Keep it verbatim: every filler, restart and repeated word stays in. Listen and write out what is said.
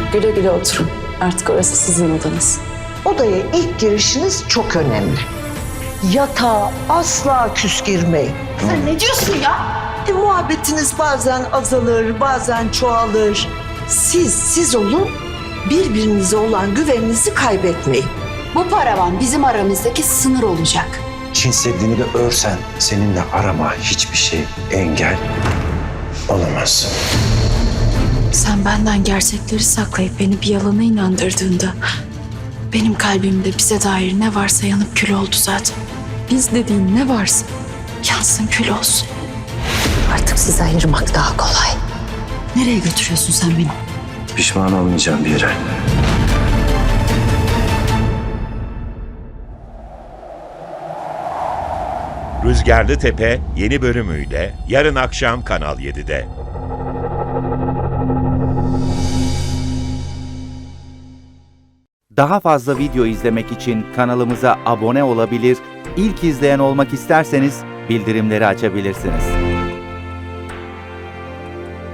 Güle güle oturun. Artık orası sizin odanız. Odaya ilk girişiniz çok önemli. Yatağa asla küs girmeyin. Sen ne diyorsun ya? E, muhabbetiniz bazen azalır, bazen çoğalır. Siz, siz olun, birbirinize olan güveninizi kaybetmeyin. Bu paravan bizim aramızdaki sınır olacak. Çin Seddi'ni de örsen seninle arama hiçbir şey engel olamaz. Sen benden gerçekleri saklayıp beni bir yalana inandırdığında benim kalbimde bize dair ne varsa yanıp kül oldu zaten. Biz dediğin ne varsa yansın kül olsun. Artık sizi ayırmak daha kolay. Nereye götürüyorsun sen beni? Pişman olmayacağım bir yere. Rüzgarlı Tepe yeni bölümüyle yarın akşam Kanal yedide. Daha fazla video izlemek için kanalımıza abone olabilir, ilk izleyen olmak isterseniz bildirimleri açabilirsiniz.